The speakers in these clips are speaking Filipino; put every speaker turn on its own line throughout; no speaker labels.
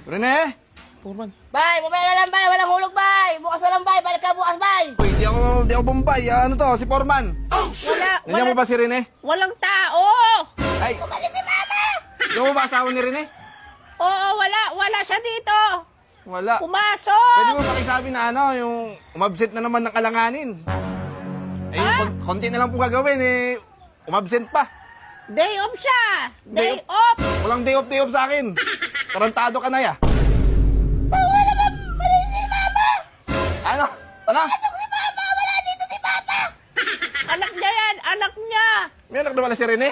Rene?
Foreman.
Bay, mamaya na lang, bay. Walang hulog, bay. Bukas na lang, bay. Balik ka bukas, bay.
Uy, di ako bombay. Ano to? Si Foreman. Nandiyan mo ba si Rene?
Walang tao!
Ay,
Balik si mama.
di mo ba asawa ni Rene?
Oo, wala siya dito.
Wala.
Pumasok!
Pwede mo pakisabi na ano, yung umabsent na naman ng kalanganin. Eh, konti na lang po gagawin eh. Umabsent pa.
Day off siya!
Day
Day off!
Walang day off sa akin. Tarantado ka na ya.
Bawa naman. Mali si mama.
Ano? Ano?
Pasok si mama. Wala dito si papa.
Anak niya yan! Anak niya!
May anak na pala si Rene?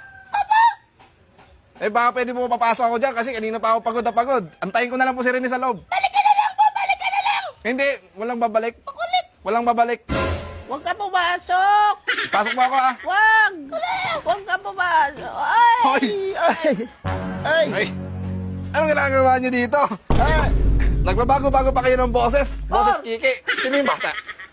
Eh baka pwede mo papasok ako dyan kasi kanina pa ako pagod na pagod. Antayin ko na lang po si Rene sa loob.
Balik ka na lang po. Balik ka na lang.
Hindi, walang babalik. Walang babalik.
Huwag ka pumasok!
Pasok mo ako ah.
Huwag! Huwag ka pumasok! Ay!
Hoy!
Ay!
Ay! Anong ginagawa niyo dito? Nagbabago-bago pa kayo ng boses. Boses Kiki. Sino yung bata?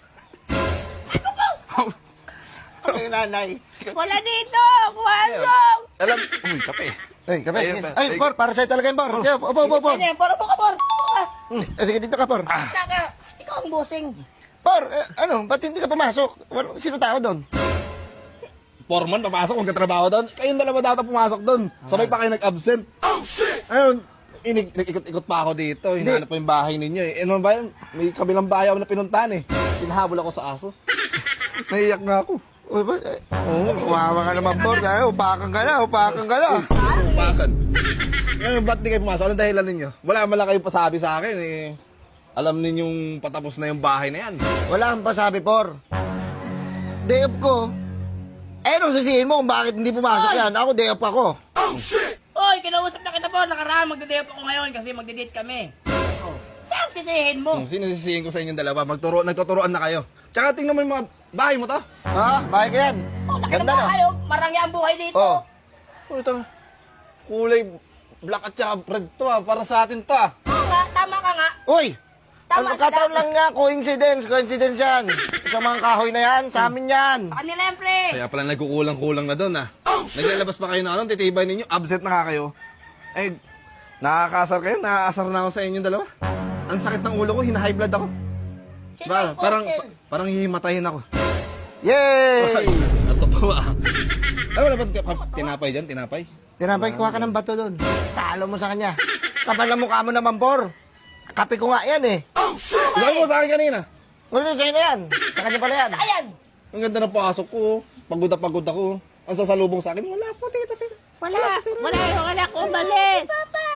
Ay, nanay.
Wala dito! Pumasok!
Alam, uy, kape.
Ay, kape.
Ayun ba?
Ay, Por, para sa'yo talaga yung Por. Sige, Por.
Ano yan? Poro po ka, Por.
Sige, dito ka, Por.
Kaka, ikaw ang busing.
Por, ano, ba't hindi ka pumasok? Sino tao doon?
Foreman, papasok, magkatrabaho doon. Kayong dalawa dapat pumasok doon. Sabay pa kayo nag-absent. Ayun, nag-ikot-ikot pa ako dito. Hinahanap po yung bahay ninyo eh. Ano ba yun? May kabilang bahay ako na pinuntahan eh. Hinahabol ako sa aso. Naiyak na ako.
Uy, ba? Umawa ka naman, Por. Ay, upakan ka na.
Upakan. Ngayon, ba't di kayo pumasok? Anong dahilan ninyo? Wala man lang kayo pasabi sa akin eh. Alam ninyong patapos na yung bahay na yan.
Wala kang pasabi, Por. Day off ko. Eh, nung sisihin mo kung bakit hindi pumasok yan. Ako, day off ako.
Oy, kinausap na kita, Por. Nakaraan, magdadate ako ngayon kasi magdadate kami. Saan sisihin mo?
Sino sisihin ko sa inyong dalawa? Nagtuturoan na kayo. Tsaka tingnan mo yung mga bahay mo to.
Ha? Bahay ka yan.
Oh, nakita
Ganda
mo
na.
kayo. Marangya ang buhay dito.
Oh.
Oh, ito. Kulay black at saka red to ah. Para sa atin to ah.
Oo nga, tama ka nga.
Uy!
Tama
Kataon
sila.
lang nga, coincidence yan. Sa mga kahoy na yan, sa amin yan.
Sa kanila yan, pre.
Kaya pala nagkukulang-kulang na doon ah. Naglalabas pa kayo na anong titibay ninyo. Absent na nga kayo. Eh, nakakasar kayo. Nakakasar na ako sa inyong dalawa. Ang sakit ng ulo ko. Hina-high blood ako. Parang hihimatayin ako.
Yay!
Natutuwa. Ay, wala ba tinapay dyan? Tinapay?
Tinapay, kuha ka ng bato doon. Talo mo sa kanya. Kapal na mukha mo naman, Por. Kape ko nga yan eh.
Sabi mo sa akin kanina.
Ano sa'yo na yan? Sa kanya pala yan.
Ayan.
Ang ganda ng pasok ko. Pagod na pagod ako. Ang sasalubong sa akin, wala po, tita sir.
Wala! Wala yung anak ko umalis!